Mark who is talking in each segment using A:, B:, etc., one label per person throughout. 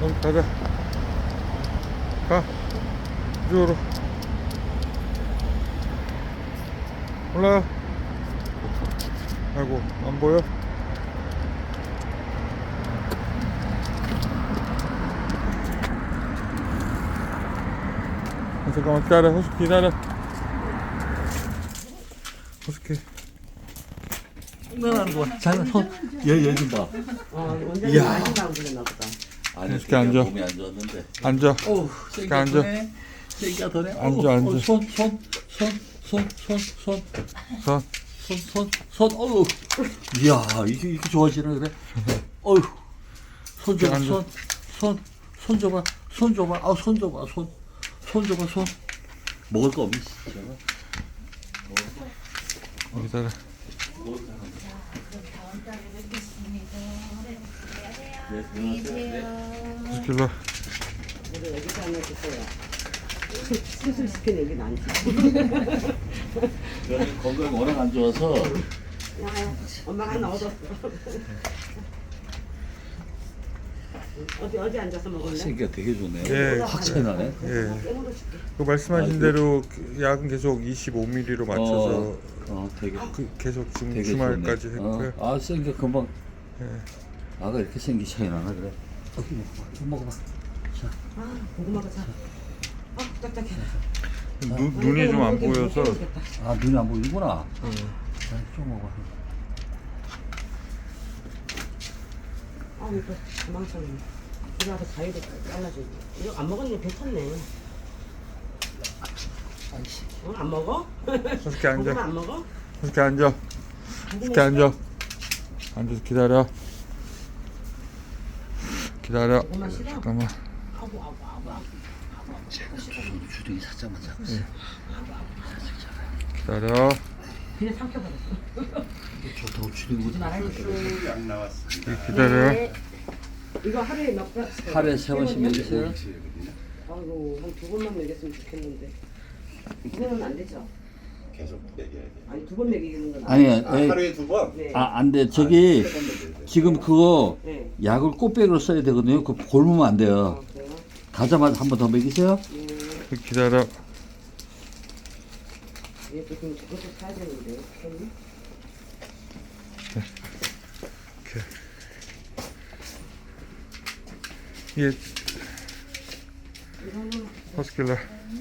A: 가자. 가. 이쪽으로. 올라가. 아이고, 안 보여? 잠깐만 기다려. 호수 기다려. 호수기.
B: 장난하는 거야. 얘 좀 봐.
C: 원장님
B: 이야.
C: 많이 나오셨나 보다.
B: 아니,
A: 이렇게 앉아.
B: 몸이 안 좋았는데.
A: 앉아.
B: 어우,
A: 이렇게 앉아.
B: 세기가 더네.
A: 앉아, 앉아.
B: 손. 어우. 이야, 이렇게 좋아지네, 그래. 어휴. 손 줘봐,
A: 앉아.
B: 손 줘봐. 손 줘봐. 아, 손 줘봐, 손 줘봐, 손. 먹을 거 없니, 진짜?
A: 기다려. 호수기 일로 와.
C: 그래서 여기서 하나 줬어요. 수술시킨 얘기는 안 줘.
B: 여기 건강이 워낙 안 좋아서.
C: 야, 엄마가 하나 얻었어. 어디 앉아서 먹을래?
B: 생기가 되게 좋네.
A: 예.
B: 확 차이 나네.
A: 예.
C: 깨물어 줄게.
A: 그 말씀하신
B: 아,
A: 대로 그 약은 계속 25ml로 맞춰서
B: 되게
A: 계속 지금
B: 되게
A: 주말까지
B: 좋네.
A: 했고요.
B: 아, 생기 금방.
A: 예.
B: 아가 이렇게 생기 차이 나나 그래. 여기 먹어봐. 자,
C: 고구마가 자. 딱딱해.
A: 눈이 좀 안 보여서
B: 아 눈이 안 보이구나.
A: 예.
B: 자, 좀 먹어.
C: 이거 도망쳤네. 이거 와서 과일도 잘라줘. 이거 안 먹었는데 괜찮네.
B: 아이씨.
C: 안 먹어?
A: 호수기
C: 고구마
A: 앉아.
C: 안 먹어?
A: 호수기 앉아. 호수기 앉아. 앉아서 기다려. 기다려.
C: 고구마 싫어?
A: 잠깐만.
C: 아구.
B: 주둥이 살짝만 잡고.
A: 기다려.
C: 그냥 삼켜버렸어.
B: 좋다고 주둥이
A: 기다려.
C: 네. 이거 하루에 몇 번?
B: 하루에 3번씩 먹이세요?
C: 아이고 한 2번만 먹였으면 좋겠는데. 이거는 안 되죠?
D: 계속 먹여야 돼.
C: 아니 2번 먹이는 건
B: 아니,
D: 하루에 2번?
C: 네.
B: 안 돼. 저기 지금 그거
C: 네.
B: 약을 꽃백으로 써야 되거든요. 그거 골무면 안 돼요.
C: 그래요?
B: 가자마자 한 번 더 먹이세요.
A: 기다려.
C: 얘도 지금 저것도 사야 되는데 어떡하니?
A: 예.
C: 이거는
A: 호스킬러.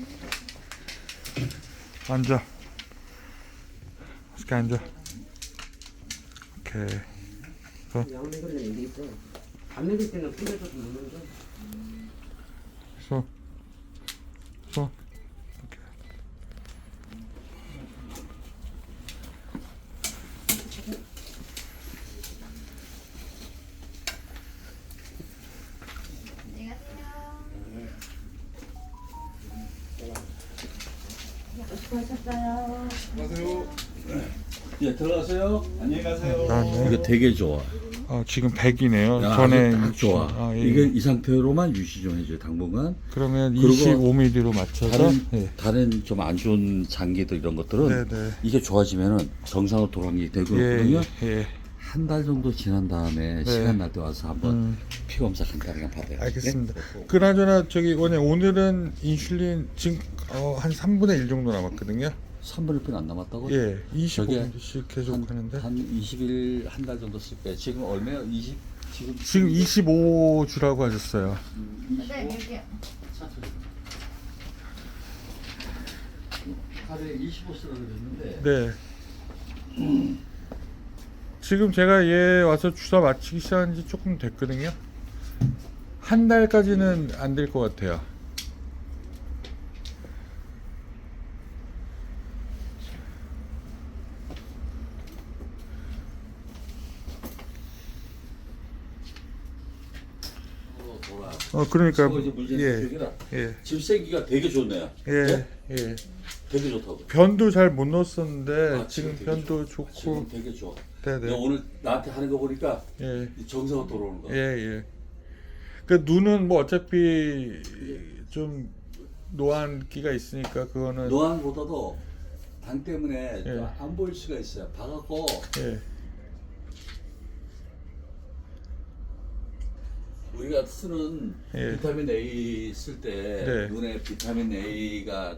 A: 앉아. 호스키 앉아. 오케이.
C: 약 먹으려면 이게 있어. 안 먹일 때는 뿌려줘도 먹는데.
A: 손. 손. 오케이.
C: 수고하셨어요.
B: 예, 들어가세요.
D: 안녕히 가세요.
A: 나왔네.
B: 이거 되게 좋아.
A: 지금 100이네요.
B: 야,
A: 전에
B: 딱 좋아.
A: 아, 예.
B: 이게 이 상태로만 유지 좀 해줘요, 당분간.
A: 그러면
B: 그리고
A: 25mm로 맞춰서 예.
B: 다른 좀 안 좋은 장기들 이런 것들은
A: 네네.
B: 이게 좋아지면은 정상으로 돌아가는 게
A: 예,
B: 되거든요.
A: 예.
B: 한 달 정도 지난 다음에 시간 날 때 와서 한번 피 검사 간단하게 받아요.
A: 알겠습니다. 그나저나 저기 오늘은 인슐린 지금 한 3분의 1 정도 남았거든요.
B: 3분의 1안 남았다고?
A: 예,
B: 저게
A: 25분씩 계속 하는데
B: 한 20일 한 달 정도 쓸 거예요. 지금 얼마요?
A: 지금 25 주라고 하셨어요.
B: 하루에 25 쓰라고 그랬는데
A: 네. 지금 제가 얘 와서 주사 맞히기 시작한 지 조금 됐거든요. 한 달까지는 안 될 것 같아요. 그러니까 예,
B: 지금 생기가 되게 좋네요.
A: 예, 예.
B: 되게 좋다고.
A: 변도 잘 못 넣었었는데 지금
B: 되게
A: 변도
B: 좋아.
A: 좋고,
B: 지금 되게 좋아.
A: 네네.
B: 내가 오늘 나한테 하는 거 보니까
A: 예,
B: 정상으로 돌아오는 거야.
A: 예, 예. 그 눈은 뭐 어차피 좀 노안기가 있으니까 그거는
B: 노안보다도 당 때문에
A: 예.
B: 안 보일 수가 있어요. 봐갖고
A: 예,
B: 우리가 쓰는
A: 예.
B: 비타민 A 쓸 때
A: 네.
B: 눈에 비타민 A가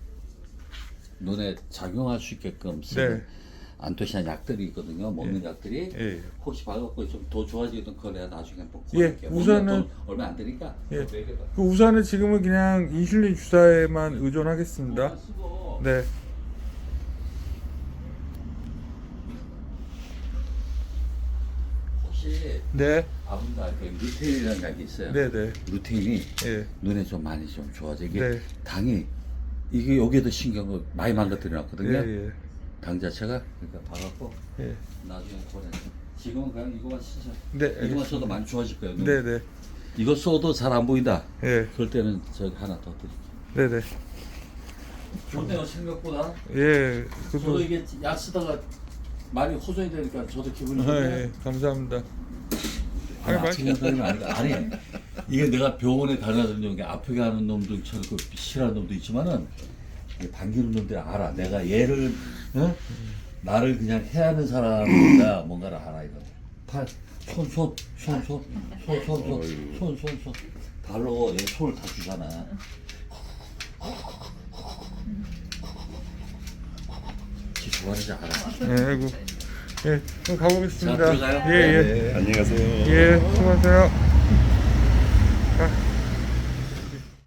B: 눈에 작용할 수 있게끔 쓰는
A: 네.
B: 안토시아닌 약들이 있거든요. 먹는 약들이
A: 예.
B: 혹시 봐갖고 좀 더 좋아지던 거 내가 나중에 한번
A: 예,
B: 구할게요.
A: 우선은-
B: 돈 얼마 안 되니까
A: 예.
B: 그거 먹여봐.
A: 그 우선은 지금은 그냥 인슐린 주사에만 의존하겠습니다.
B: 쓰고
A: 네.
B: 혹시
A: 네.
B: 아분다한테 루테인이라는 약이 있어요.
A: 네, 네.
B: 루테인이
A: 예.
B: 눈에 좀 많이 좀 좋아져. 이게
A: 네.
B: 당이 이게 여기에도 신경을 많이 망가뜨려 놨거든요.
A: 예, 예.
B: 당 자체가 그러니까 봐갖고
A: 예.
B: 나중에 보내. 지금은 그냥 이거만 쓰자.
A: 네,
B: 이거만
A: 알겠습니다.
B: 써도 많이 좋아질 거예요. 눈.
A: 네, 네.
B: 이거 써도 잘 안 보인다.
A: 예.
B: 그럴 때는 저기 하나 더 드릴게요.
A: 네, 네.
B: 좋네요 생각보다.
A: 예.
B: 저도
A: 그래도
B: 이게 약 쓰다가 많이 호전이 되니까 저도 기분이
A: 아,
B: 좋네요.
A: 예. 감사합니다.
B: 아니,
A: 아니,
B: 아프게 하는 아니다. 아니 이게 내가 병원에 다녀다니는 게 아프게 하는 놈들처럼 그 싫어하는 놈도 있지만은 이게 반기는 놈들이 알아. 내가 얘를 나를 그냥 해하는 사람이다 뭔가를 알아 이거. 손 발로 얘 손을 다 주잖아. 지 좋아하는지 알아.
A: 예, 아이고. 예. 그럼 가보겠습니다.
B: 자, 들어가요.
A: 예, 예.
D: 네, 안녕히 가세요.
A: 예, 수고하세요.